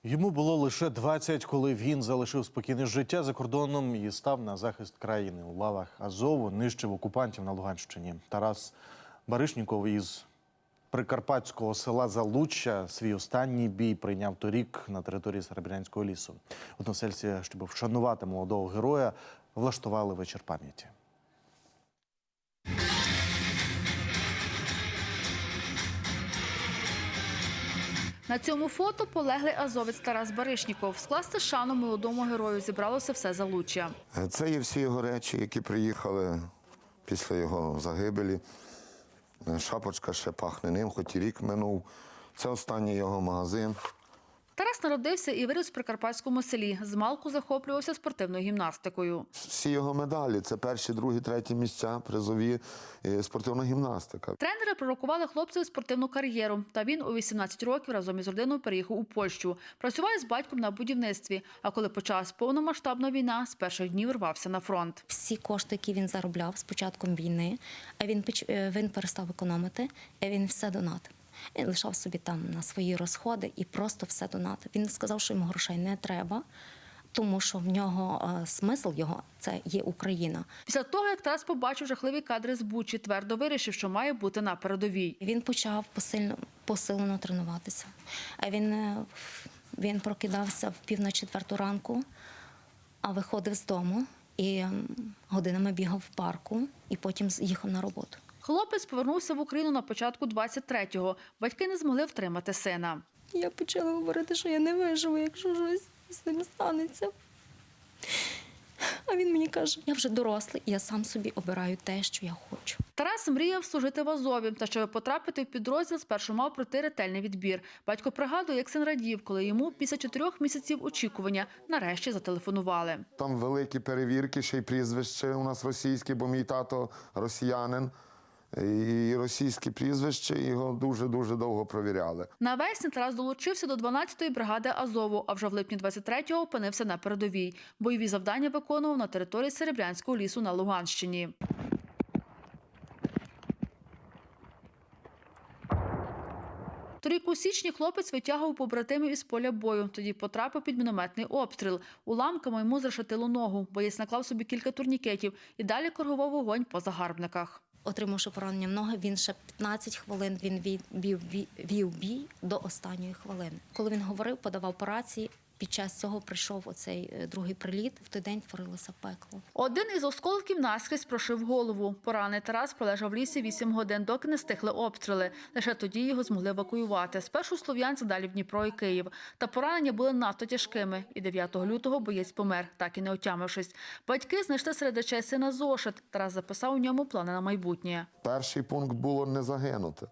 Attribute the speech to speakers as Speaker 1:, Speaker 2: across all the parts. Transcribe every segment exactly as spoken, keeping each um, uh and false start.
Speaker 1: Йому було лише двадцять, коли він залишив спокійне життя за кордоном і став на захист країни. У лавах Азову нищив окупантів на Луганщині. Тарас Баришніков із прикарпатського села Залуччя свій останній бій прийняв торік на території Серебрянського лісу. Односельці, щоб вшанувати молодого героя, влаштували вечір пам'яті.
Speaker 2: На цьому фото полеглий азовець Тарас Баришніков. Скласти шану молодому герою зібралося все Залуччя.
Speaker 3: Це є всі його речі, які приїхали після його загибелі. Шапочка ще пахне ним, хоч і рік минув. Це останній його магазин.
Speaker 2: Тарас народився і виріс в прикарпатському селі. Змалку захоплювався спортивною гімнастикою.
Speaker 3: Всі його медалі – це перші, другі, треті місця, призові, спортивна гімнастика.
Speaker 2: Тренери пророкували хлопцеві спортивну кар'єру. Та він у вісімнадцять років разом із родиною переїхав у Польщу. Працював з батьком на будівництві. А коли почалась повномасштабна війна, з перших днів рвався на фронт.
Speaker 4: Всі кошти, які він заробляв з початком війни, він, він перестав економити, він все донатив. Він лишав собі там на свої розходи і просто все донатив. Він сказав, що йому грошей не треба, тому що в нього е, смисл його – це є Україна.
Speaker 2: Після того, як Тарас побачив жахливі кадри з Бучі, твердо вирішив, що має бути на передовій.
Speaker 4: Він почав посильно, посилено тренуватися. Він, він прокидався в пів на четверту ранку, а виходив з дому і годинами бігав в парку, і потім їхав на роботу.
Speaker 2: Хлопець повернувся в Україну на початку двадцять третього. Батьки не змогли втримати сина.
Speaker 4: Я почала говорити, що я не виживу, якщо щось з ним станеться. А він мені каже, я вже дорослий, і я сам собі обираю те, що я хочу.
Speaker 2: Тарас мріяв служити в Азові, та щоб потрапити в підрозділ, спершу мав пройти ретельний відбір. Батько пригадує, як син радів, коли йому після чотирьох місяців очікування нарешті зателефонували.
Speaker 3: Там великі перевірки, ще й прізвище у нас російське, бо мій тато росіянин. І російське прізвище, його дуже-дуже довго провіряли.
Speaker 2: Навесні Тарас долучився до дванадцятої бригади Азову, а вже в липні двадцять третього опинився на передовій. Бойові завдання виконував на території Серебрянського лісу на Луганщині. Торік у січні хлопець витягував побратимів із поля бою. Тоді потрапив під мінометний обстріл. Уламками йому зрешетило ногу. Боєць наклав собі кілька турнікетів і далі коригував вогонь по загарбниках.
Speaker 4: Отримавши поранення в ноги, він ще п'ятнадцять хвилин він вів, вів, вів бій до останньої хвилини. Коли він говорив, подавав по рації, під час цього прийшов оцей другий приліт. В той день творилося пекло.
Speaker 2: Один із осколків наскрізь прошив голову. Поранений Тарас пролежав в лісі вісім годин, доки не стихли обстріли. Лише тоді його змогли евакуювати. Спершу в Слов'янськ, далі в Дніпро і Київ. Та поранення були надто тяжкими. І дев'ятого лютого боєць помер, так і не отямившись. Батьки знайшли серед речей сина зошит. Тарас записав у ньому плани на майбутнє.
Speaker 3: Перший пункт було не загинути.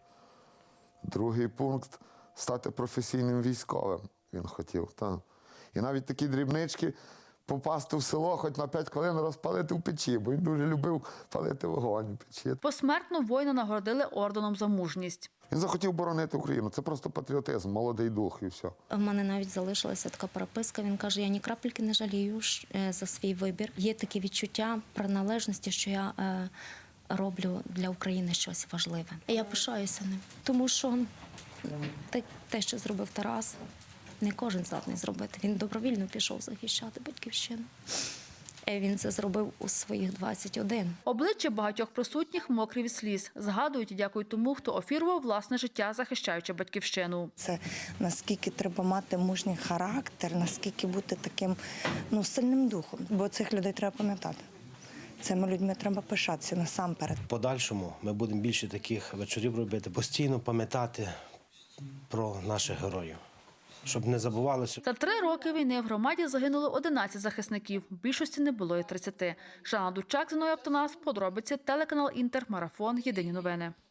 Speaker 3: Другий пункт – стати професійним військовим. Він хотів, так. І навіть такі дрібнички – попасти в село, хоч на п'ять хвилин розпалити в печі, бо він дуже любив палити вогонь в печі.
Speaker 2: Посмертно воїна нагородили орденом за мужність.
Speaker 3: Він захотів боронити Україну. Це просто патріотизм, молодий дух і все.
Speaker 4: У мене навіть залишилася така переписка. Він каже, я ні крапельки не жалію за свій вибір. Є таке відчуття приналежності, що я е, роблю для України щось важливе. І я пишаюся ним, тому що те, те, що зробив Тарас, не кожен здатний зробити. Він добровільно пішов захищати батьківщину. Він це зробив у своїх двадцять один.
Speaker 2: Обличчя багатьох присутніх мокрі від сліз. Згадують і дякують тому, хто офірував власне життя, захищаючи батьківщину.
Speaker 5: Це наскільки треба мати мужній характер, наскільки бути таким ну, сильним духом. Бо цих людей треба пам'ятати. Цими людьми треба пишатися насамперед.
Speaker 6: В подальшому ми будемо більше таких вечорів робити, постійно пам'ятати про наших героїв, щоб не забувалося.
Speaker 2: За три роки війни в громаді загинуло одинадцять захисників. В більшості не було і тридцяти. Жанна Дучак, Зіною Автонас, подробиці, телеканал Інтер, Марафон, Єдині новини.